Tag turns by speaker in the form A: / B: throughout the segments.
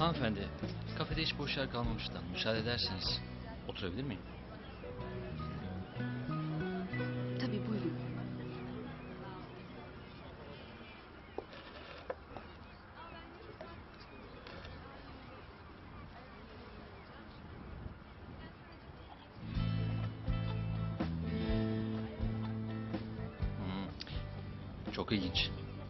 A: Hanımefendi, kafede hiç boş yer kalmamıştan müsaade ederseniz oturabilir miyim?
B: Tabii buyurun.
A: Çok ilginç.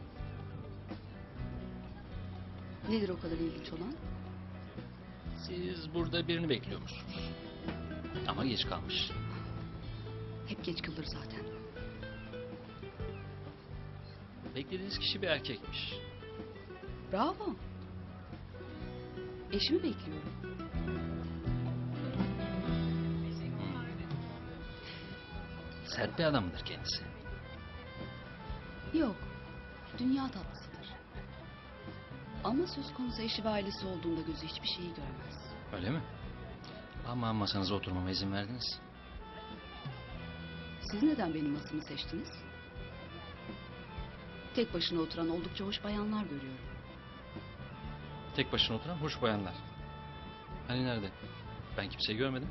B: Nedir o kadar ilginç olan?
A: Siz burada birini bekliyormuşsunuz. Ama geç kalmış.
B: Hep geç kalır zaten.
A: Beklediğiniz kişi bir erkekmiş.
B: Bravo. Eşimi bekliyorum.
A: Sert bir adam mıdır kendisi?
B: Yok. Dünya tatlısıdır. Ama söz konusu eşi ve ailesi olduğunda gözü hiçbir şeyi görmez.
A: Öyle mi? Ama masanıza oturmama izin verdiniz.
B: Siz neden benim masamı seçtiniz? Tek başına oturan oldukça hoş bayanlar görüyorum.
A: Tek başına oturan hoş bayanlar. Hani nerede? Ben kimseyi görmedim.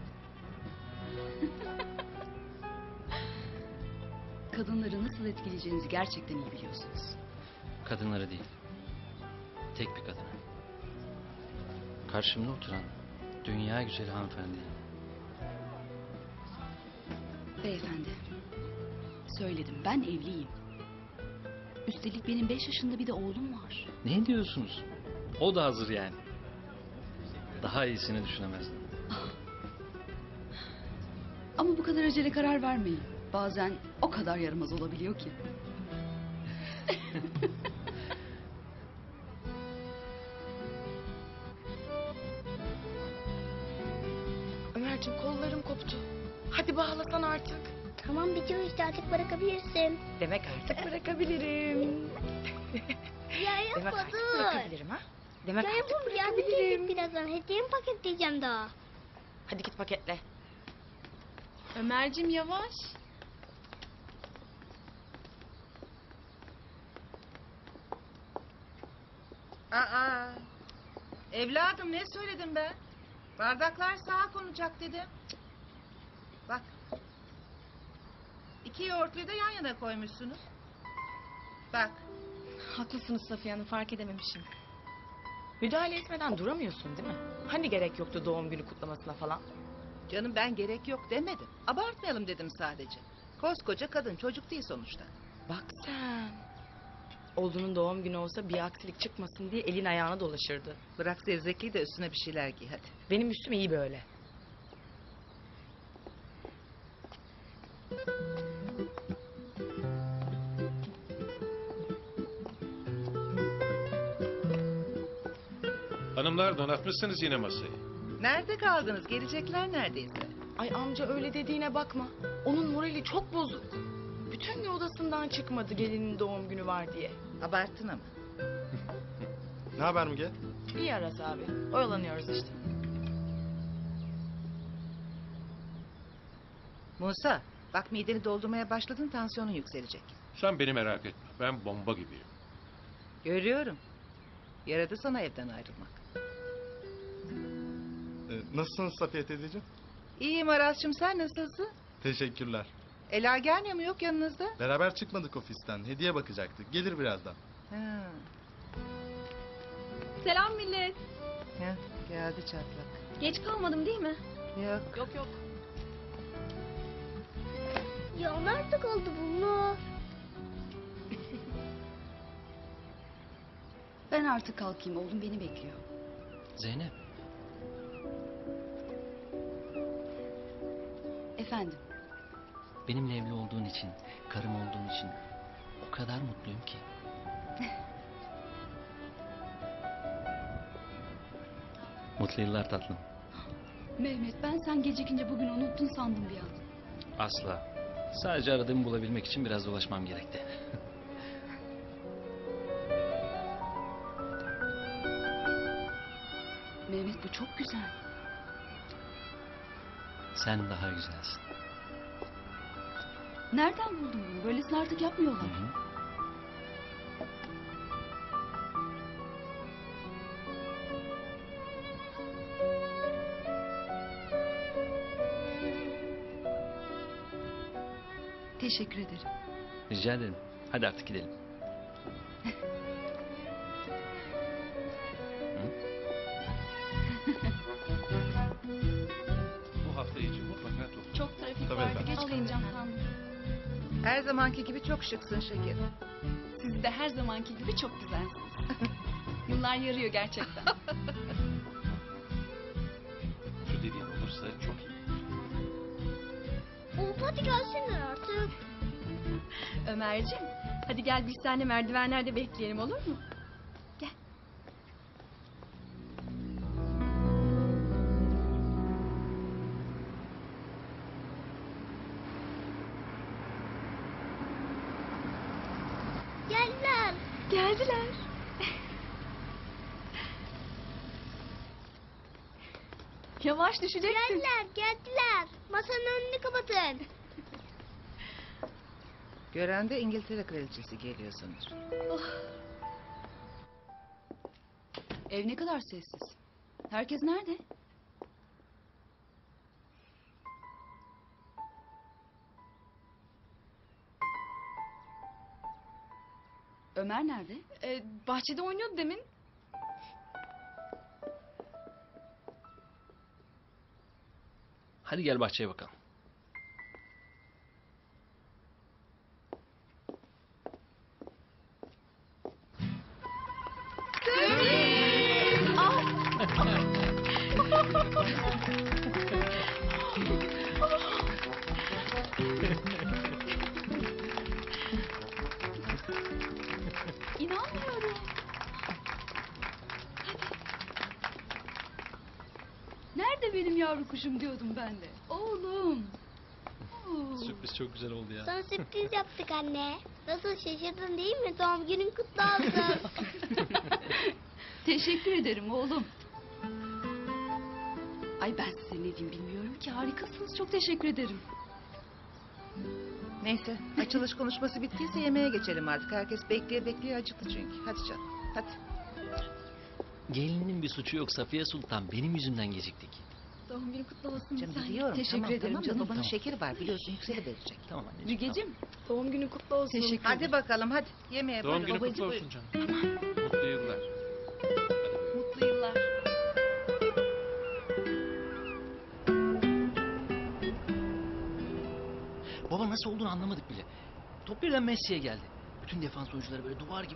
B: Kadınları nasıl etkileyeceğinizi gerçekten iyi biliyorsunuz.
A: Kadınları değil. Tek bir kadını. Karşımda oturan dünya güzeli hanımefendi.
B: Beyefendi, söyledim ben evliyim. Üstelik benim 5 yaşında bir de oğlum var.
A: Ne diyorsunuz? O da hazır yani. Daha iyisini düşünemezdim.
B: Ama bu kadar acele karar vermeyin. Bazen o kadar yaramaz olabiliyor ki.
C: Ömerciğim kollarım koptu. Hadi bağlasan artık.
D: Tamam bitiyor işte artık bırakabilirsin.
C: Demek artık bırakabilirim.
D: Ya
C: Demek
D: yapma
C: artık
D: dur.
C: bırakabilirim ha? Demek
D: Ya
C: artık
D: yapma yardım
C: bırakabilirim.
D: edecek birazdan. Hediyemi paketleyeceğim daha.
C: Hadi git paketle.
E: Ömerciğim yavaş.
F: Aa, evladım ne söyledim ben? Bardaklar sağa konacak dedim. Cık. Bak. 2 yoğurtluyu da yan yana koymuşsunuz. Bak.
C: Haklısınız Safiye Hanım, fark edememişim. Müdahale etmeden duramıyorsun değil mi? Hani gerek yoktu doğum günü kutlamasına falan?
F: Canım ben gerek yok demedim. Abartmayalım dedim sadece. Koskoca kadın çocuk değil sonuçta.
C: Bak sen. Oğlunun doğum günü olsa bir aksilik çıkmasın diye elin ayağına dolaşırdı.
F: Bırak zevzekliği de üstüne bir şeyler giy hadi.
C: Benim üstüm iyi böyle.
G: Hanımlar donatmışsınız yine masayı.
F: Nerede kaldınız? Gelecekler neredeyse.
C: Ay amca öyle dediğine bakma. Onun morali çok bozuk. Bütün gün odasından çıkmadı gelinin doğum günü var diye.
F: Abarttın ama.
H: Ne haber Müge?
C: İyi Aras abi. Oyalanıyoruz işte.
F: Musa bak mideni doldurmaya başladın tansiyonun yükselecek.
G: Sen beni merak etme. Ben bomba gibiyim.
F: Görüyorum. Yaradı sana evden ayrılmak.
H: Nasılsınız Safiye teyzeciğim?
F: İyiyim Aras'cığım sen nasılsın?
H: Teşekkürler.
F: Ela gelmiyor mu yok yanınızda?
H: Beraber çıkmadık ofisten. Hediye bakacaktık. Gelir birazdan.
F: Ha.
E: Selam millet.
F: Ya, geldi çatlak.
E: Geç kalmadım değil mi?
F: Yok.
C: Yok.
D: Ya nerede kaldı bunlar?
B: Ben artık kalkayım oğlum beni bekliyor.
A: Zeynep,
B: Efendim
A: benimle evli olduğun için, karım olduğun için o kadar mutluyum ki. Mutlu yıllar tatlım.
B: Mehmet ben sen gecikince bugün unuttun sandım bir an.
A: Asla. Sadece aradığımı bulabilmek için biraz dolaşmam gerekti.
B: Mehmet bu çok güzel.
A: Sen daha güzelsin.
B: Nereden buldun bunu? Böylesini artık yapmıyorlar.
A: Hı hı.
B: Teşekkür ederim.
A: Rica ederim. Hadi artık gidelim.
G: Bu hafta içi mutlaka topla.
E: Çok trafik
H: Tabii
E: vardı.
H: efendim.
E: Geç kalacağım sandım.
F: Her zamanki gibi çok şıksın şekerim.
E: Siz de her zamanki gibi çok güzelsiniz. Yıllar yarıyor gerçekten.
G: Şu dediğin olursa çok iyi.
D: Of hadi gelsinler artık.
E: Ömerciğim, hadi gel biz seninle merdivenlerde bekleyelim, olur mu? Gel.
D: Geldiler.
E: Geldiler. Yavaş düşeceksin.
D: Geldiler. Masanın önünü kapatın.
F: Gören de İngiltere kraliçesi geliyor sanır.
B: Ev ne kadar sessiz. Herkes nerede? Ömer nerede?
E: Bahçede oynuyordu demin.
A: Hadi gel bahçeye bakalım.
B: İnanmıyorum. Nerede benim yavru kuşum diyordum ben de. Oğlum. Oo.
A: Sürpriz çok güzel oldu ya.
D: Sana sürpriz yaptık anne. Nasıl şaşırdın değil mi? Doğum günün kutlu olsun.
B: Teşekkür ederim oğlum. Ay ben size ne diyeyim bilmiyorum ki. Harikasınız. Çok teşekkür ederim.
F: Neyse açılış konuşması bittiyse yemeğe geçelim artık. Herkes bekleye bekleye acıktı çünkü. Hadi canım hadi.
A: Gelinin bir suçu yok Safiye Sultan. Benim yüzümden geciktik.
E: Doğum günü kutlu olsun.
F: Canım
E: bir tanem.
F: biliyorum.
B: Teşekkür
F: tamam,
B: ederim
F: tamam, da
B: canım,
F: Babanın
A: tamam.
F: şekeri var biliyorsun yükseli verecek.
A: Tamam anneciğim.
B: Mügeciğim.
E: Doğum günü kutlu olsun.
B: Teşekkür
F: Hadi
B: ederim.
F: bakalım hadi yemeğe
G: Doğum
F: buyurun.
G: günü
F: Babacığım,
G: kutlu
F: buyurun.
G: olsun canım. Mutlu yıllar.
E: Mutlu yıllar.
A: Baba nasıl olduğunu anlamadık bile. Top birden Messi'ye geldi. Bütün defans oyuncuları böyle duvar gibi